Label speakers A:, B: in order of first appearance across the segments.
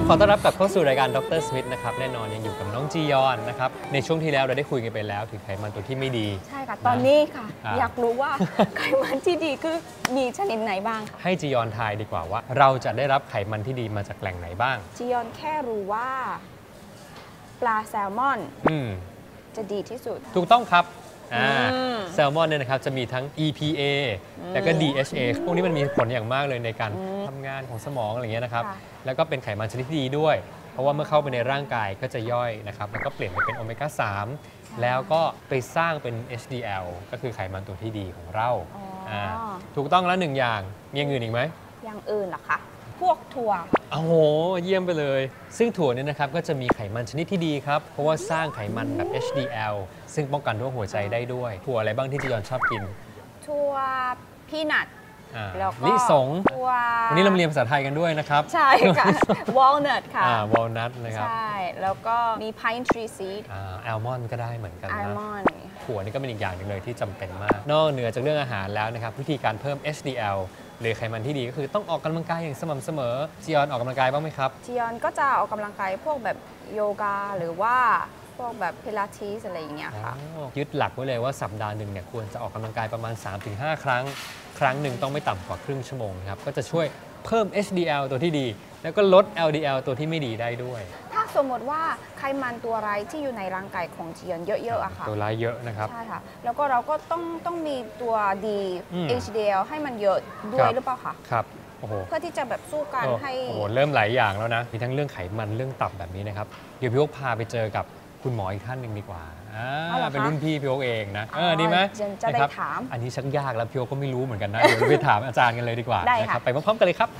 A: ขอต้อนรับกลับเข้าสู่รายการดร.สมิธนะครับแน่นอนยังอยู่กับน้องจียอนนะครับในช่วงที่แล้วเราได้คุยกันไปแล้วถึงไขมันตัวที่ไม่ดี
B: ใช่ค่ะตอนนี้ค่ะอยากรู้ว่าไขมันที่ดีคือมีชนิดไหนบ้าง
A: ให้จียอนทายดีกว่าว่าเราจะได้รับไขมันที่ดีมาจากแหล่งไหนบ้าง
B: จียอนแค่รู้ว่าปลาแซลมอนจะดีที่สุด
A: ถูกต้องครับแซลมอนเนี่ยนะครับจะมีทั้ง EPA แล้วก็ DHA พวกนี้มันมีผลอย่างมากเลยในการทำงานของสมองอะไรเงี้ยนะครับแล้วก็เป็นไขมันชนิดที่ดีด้วยเพราะว่าเมื่อเข้าไปในร่างกายก็จะย่อยนะครับแล้วก็เปลี่ยนไปเป็นโอเมก้า 3แล้วก็ไปสร้างเป็น HDL ก็คือไขมันตัวที่ดีของเราถูกต้องแล้วหนึ่งอย่างมีอย่างอื่นอีกไหม
B: อย่างอื่นเหรอคะพวกถั่ว
A: โอ้โหเยี่ยมไปเลยซึ่งถั่วเนี่ยนะครับก็จะมีไขมันชนิดที่ดีครับเพราะว่าสร้างไขมันแบบ HDL ซึ่งป้องกันโรคหัวใจได้ด้วยถั่วอะไรบ้างที่จียอนชอบกิน
B: ถั่วพีนัทแล้วก็
A: ลิสงวันนี้เราเรียนภาษาไทยกันด้วยนะครับ
B: ใช่ค่ะ walnut ค่ะ
A: walnut นะครับ
B: ใช่แล้วก็มี pine tree seed
A: almond ก็ได้เหมือนกันนะ
B: almond
A: ถั่วนี่ก็เป็นอีกอย่างหนึ่งเลยที่จำเป็นมากนอกเหนือจากเรื่องอาหารแล้วนะครับวิธีการเพิ่ม HDL หรือไขมันที่ดีก็คือต้องออกกำลังกายอย่างสม่ำเสมอจียอนออกกำลังกายบ้างไหมครับ
B: จียอนก็จะออกกำลังกายพวกแบบโยคะหรือว่าพวกแบบพิลาทิสอะไรอย่างเงี้ยค่ะ
A: ยึดหลักไว้เลยว่าสัปดาห์หนึ่งเนี่ยควรจะออกกำลังกายประมาณ 3-5 ครั้งครั้งหนึ่งต้องไม่ต่ำกว่าครึ่งชั่วโมงครับก็จะช่วยเพิ่ม HDL ตัวที่ดีแล้วก็ลด LDL ตัวที่ไม่ดีได้ด้วย
B: ถ้าสมมติว่าไขมันตัวร้ายที่อยู่ในร่างกายของจียอนเยอะๆอะค่ะ
A: ตัวร้ายเยอะนะครับ
B: ใช่ค่ะแล้วก็เราก็ต้องมีตัวดี HDL ให้มันเยอะด้วยหรือเปล่าคะ
A: ครับ
B: เพื่อที่จะแบบสู้กันให้
A: เริ่มหลายอย่างแล้วนะมีทั้งเรื่องไขมันเรื่องตับแบบนี้นะครับเดี๋ยวพี่โอ๊คพาไปเจอกับคุณหมออีกท่านหนึ่งดีกว่าเป็นรุ่นพี่พี่โอ๊คเองนะดีไหม
B: จะได้ถาม
A: อันนี้ชักยากแล้วพี่โอ๊คก็ไม่รู้เหมือนกันนะเดี๋ยวไปถามอาจารย์กันเลยดีกว่านะครับไปพร้อมๆกันเลยครับ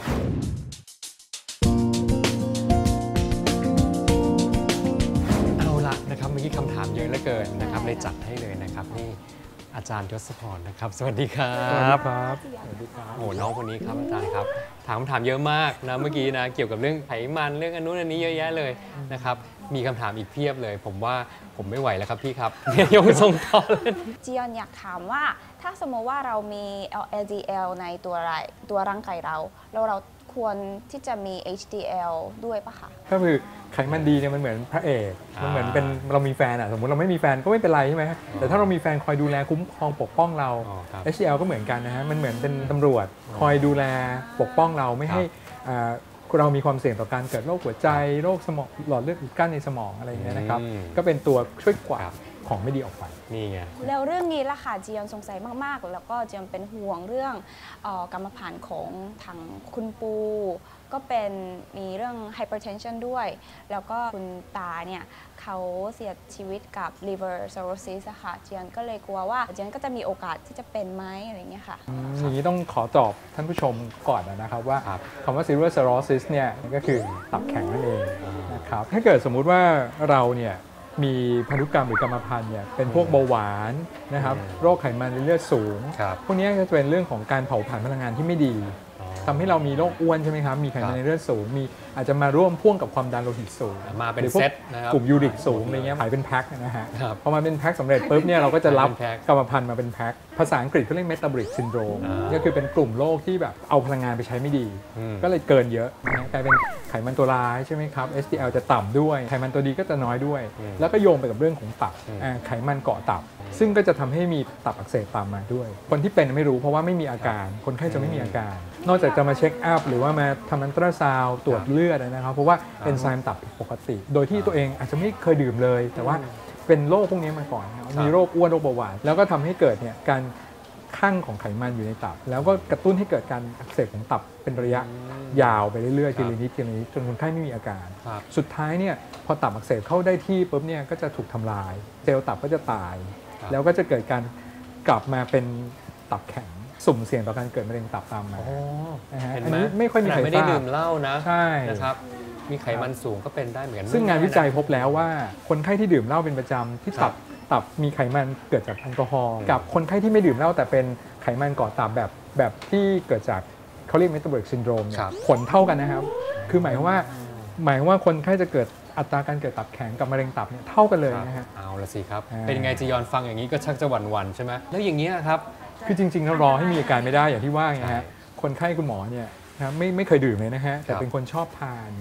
A: เอาละนะครับเมื่อกี้คำถามเยอะเหลือเกินนะครับเลยจัดให้เลยนะครับนี่อาจารย์ยศพรนะครับสวัสดีครับ
C: สวัสดีครับ
A: สวัสดีครับโอ้น้องคนนี้ครับอาจารย์ครับถามคำถามเยอะมากนะเมื่อกี้นะเกี่ยวกับเรื่องไขมันเรื่องอันนู้นอันนี้เยอะแยะเลยนะครับมีคำถามอีกเพียบเลยผมว่าผมไม่ไหวแล้วครับพี่ครับยังส่งต่อเลย
B: จียอนอยากถามว่าถ้าสมมติว่าเรามี LDL ในตัวร่างกายเราแล้วเราควรที่จะมี HDL ด้วยปะคะ
C: ก็คือไขมันดีเนี่ยมันเหมือนพระเอกมันเหมือนเป็นเรามีแฟนสมมติเราไม่มีแฟนก็ไม่เป็นไรใช่ไหมแต่ถ้าเรามีแฟนคอยดูแลคุ้มครองปกป้องเรา HDL ก็เหมือนกันนะฮะมันเหมือนเป็นตำรวจคอยดูแลปกป้องเราไม่ให้เรามีความเสี่ยงต่อการเกิดโรคหัวใจโรคสมองหลอดเลือดอุดกั้นในสมองอะไรอย่างเงี้ยนะครับก็เป็นตัวช่วยกวาดของไม่ดีออกไป
A: นี่ไง
B: แล้วเรื่องนี้ล่ะค่ะจียอนสงสัยมากๆแล้วก็จียอนเป็นห่วงเรื่องกรรมพันธุ์ของทางคุณปูก็เป็นมีเรื่อง hypertension ด้วยแล้วก็คุณตาเนี่ยเขาเสียชีวิตกับ liver cirrhosis อะค่ะจียอนก็เลยกลัวว่าจียอนก็จะมีโอกาสที่จะเป็นไหมอะไรเงี้ยค่ะ
C: อย่างนี้ต้องขอตอบท่านผู้ชมก่อนนะครับว่าคำว่า liver cirrhosis เนี่ยก็คือตับแข็งนั่นเองนะครับถ้าเกิดสมมุติว่าเราเนี่ยมีพันธุกรรมหรือกรรมพันธุ์เนี่ยเป็นพวกเบาหวานนะครับโรคไขมันในเลือดสูงพวกนี้ก็จะเป็นเรื่องของการเผาผลาญพลังงานที่ไม่ดีทำให้เรามีโรคอ้วนใช่ไหมครับมีไขมันในเลือดสูงมีอาจจะมาร่วมพ่วงกับความดันโลหิตสูง
A: มาเป็นเซตนะครับ
C: กลุ่มยูริกสูงอะไรเงี้ยขายเป็นแพ็คนะฮะพอมาเป็นแพ็คสำเร็จปุ๊บเนี่ยเราก็จะรับกรรมพันธุ์มาเป็นแพ็คภาษาอังกฤษเขาเรียก metabolic syndrome ก็คือเป็นกลุ่มโรคที่แบบเอาพลังงานไปใช้ไม่ดีก็เลยเกินเยอะกลายเป็นไขมันตัวร้ายใช่ไหมครับ HDL จะต่ำด้วยไขมันตัวดีก็จะน้อยด้วยแล้วก็โยงไปกับเรื่องของตับไขมันเกาะตับซึ่งก็จะทำให้มีตับอักเสบตามมาด้วยคนที่เป็นไม่รู้เพราะว่าไม่มีอาการคนไข้จะไม่มีอาการนอกจากจะมาเช็คอัพหรือว่ามาทำอัลตราซาวด์ตรวจเลือดนะครับเพราะว่าเอนไซม์ตับผิดปกติโดยที่ตัวเองอาจจะไม่เคยดื่มเลยแต่ว่าเป็นโรคพวกนี้มาก่อนมีโรคอ้วนโรคเบาหวานแล้วก็ทำให้เกิดเนี่ยการคั่งของไขมันอยู่ในตับแล้วก็กระตุ้นให้เกิดการอักเสบของตับเป็นระยะยาวไปเรื่อยๆทีละนิดจนคนไข้ไม่มีอาการสุดท้ายเนี่ยพอตับอักเสบเข้าได้ที่ปุ๊บเนี่ยก็จะถูกทำลายเซลล์ตับก็จะตายแล้วก็จะเกิดการกลับมาเป็นตับแข็งสุ่มเสี่ยงต่อการเกิดมะเร็งตับตามมา
A: เห็น
C: ไห
A: ม
C: ไม่ค่อยมีใครทราบ
A: ไม่ได้ดื่มเหล้านะ
C: ใช่
A: นะครับมีไขมันสูงก็เป็นได้เหมือนกัน
C: ซึ่งงานวิจัยพบแล้วว่าคนไข้ที่ดื่มเหล้าเป็นประจำที่ตับมีไขมันเกิดจากแอลกอฮอล์กับคนไข้ที่ไม่ดื่มเหล้าแต่เป็นไขมันก่อตับแบบที่เกิดจากเขาเรียก metabolic syndrome เนี่ยผลเท่ากันนะครับคือหมายความว่าคนไข้จะเกิดอัตราการเกิดตับแข็งกับมะเร็งตับเนี่ยเท่ากันเลยนะฮะ
A: เอาละสิครับเป็นยังไงจียอนฟังอย่างนี้ก็ชักจะหวั่นๆใช่ไหมแล้วอย่างนี้ครับ
C: คือจริงๆแล้วรอให้มีอาการไม่ได้อย่างที่ว่าไงฮะคนไข้คุณหมอเนี่ยนะไม่เคยดื่มเลยนะฮะแต่เป็นคนชอบทาน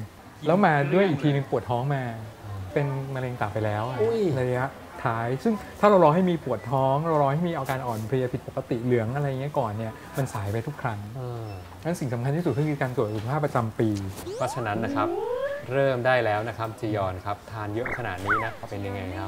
C: แล้วมาด้วยอีกทีนึงปวดท้องมาเป็นมะเร็งตับไปแล้วในระยะท้ายซึ่งถ้าเรารอให้มีปวดท้องเรารอให้มีอาการอ่อนเพลียผิดปกติเหลืองอะไรเงี้ยก่อนเนี่ยมันสายไปทุกครั้งนั้นสิ่งสำคัญที่สุดก็คือการตรวจสุขภาพประจำปี
A: เพราะฉะนั้นนะครับเริ่มได้แล้วนะครับจียอนครับทานเยอะขนาดนี้นะเป็นยังไงครับ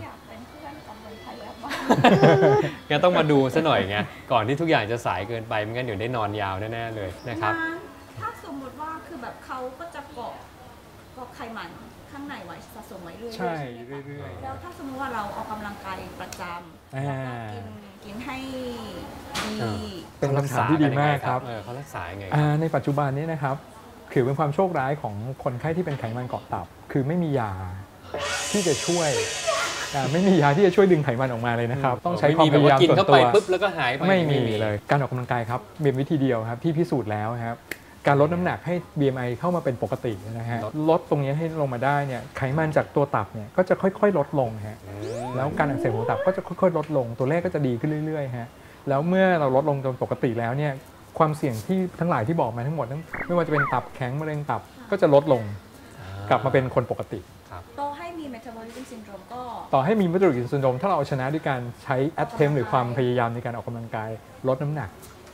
A: งั้นต้องมาดูซะหน่อยไงก่อนที่ทุกอย่างจะสายเกินไปไม่งั้นเดี๋ยวได้นอนยาวแน่ๆเลยนะครับ
B: ถ้าสมมติว่าคือแบบเขาก็จะเกาะไขมันข้างในไว้สะสมไว้เรื่อยๆ
C: ใช่เรื่อยๆ
B: แล้วถ้าสมมติว่าเราออกกำลังกายประจำแล้วก็กินให้ดี
C: เป็นคำถามที่ดีมากครับ
A: เขารักษายังไง
C: ในปัจจุบันนี้นะครับถือเป็นความโชคร้ายของคนไข้ที่เป็นไขมันเกาะตับคือไม่มียาที่จะช่วยไม่มียาที่จะช่วยดึงไขมันออกมาเลยนะครับต้องใช้ความพยายามส่วนตัว
A: ปุ๊บแล้วก็หายไป
C: ไม่มีเลยการออกกำลังกายครับมีวิธีเดียวครับที่พิสูจน์แล้วครับการลดน้ำหนักให้ BMI เข้ามาเป็นปกตินะฮะลดตรงนี้ให้ลงมาได้เนี่ยไขมันจากตัวตับเนี่ยก็จะค่อยๆลดลงฮะแล้วการอักเสบของตับก็จะค่อยๆลดลงตัวเลขก็จะดีขึ้นเรื่อยๆฮะแล้วเมื่อเราลดลงจนปกติแล้วเนี่ยความเสี่ยงที่ทั้งหลายที่บอกมาทั้งหมดไม่ว่าจะเป็นตับแข็งมะเร็งตับก็จะลดลงกลับมาเป็นคนปกติ
B: ต่อให้มี Metabolism Syndrome ก็
C: ต่อให้มี Metabolic Syndrome ถ้าเราเอาชนะด้วยการใช้ attempt หรือความพยายามในการออกกำลังกายลดน้ำหนัก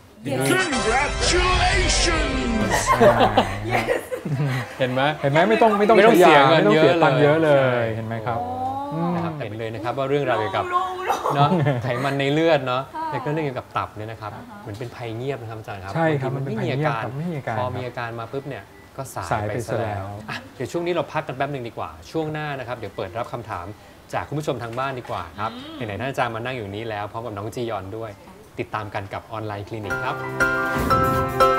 D: Congratulations
A: เห็นไหม
C: ไม่ต้องเสียตังค์เยอะเลยเห็นไหมครับ
A: นะครับเห็นเลยนะครับว่าเรื่องราวเกี่ยวกับเนาะไขมันในเลือดเนาะแล้วก็เรื่องเกี่ยวกับตับเนี่ยนะครับเหมือนเป็นภัยเงียบนะครับอาจารย์ครับ
C: ใช่ครับมันเป็นภัยเงียบ
A: พอมีอาการมาปุ๊บเนี่ยก็สายไปซะแล้วเดี๋ยวช่วงนี้เราพักกันแป๊บนึงดีกว่าช่วงหน้านะครับเดี๋ยวเปิดรับคำถามจากคุณผู้ชมทางบ้านดีกว่าครับไหนๆท่านอาจารย์มานั่งอยู่นี้แล้วพร้อมกับน้องจียอนด้วยติดตามกันกับออนไลน์คลินิกครับ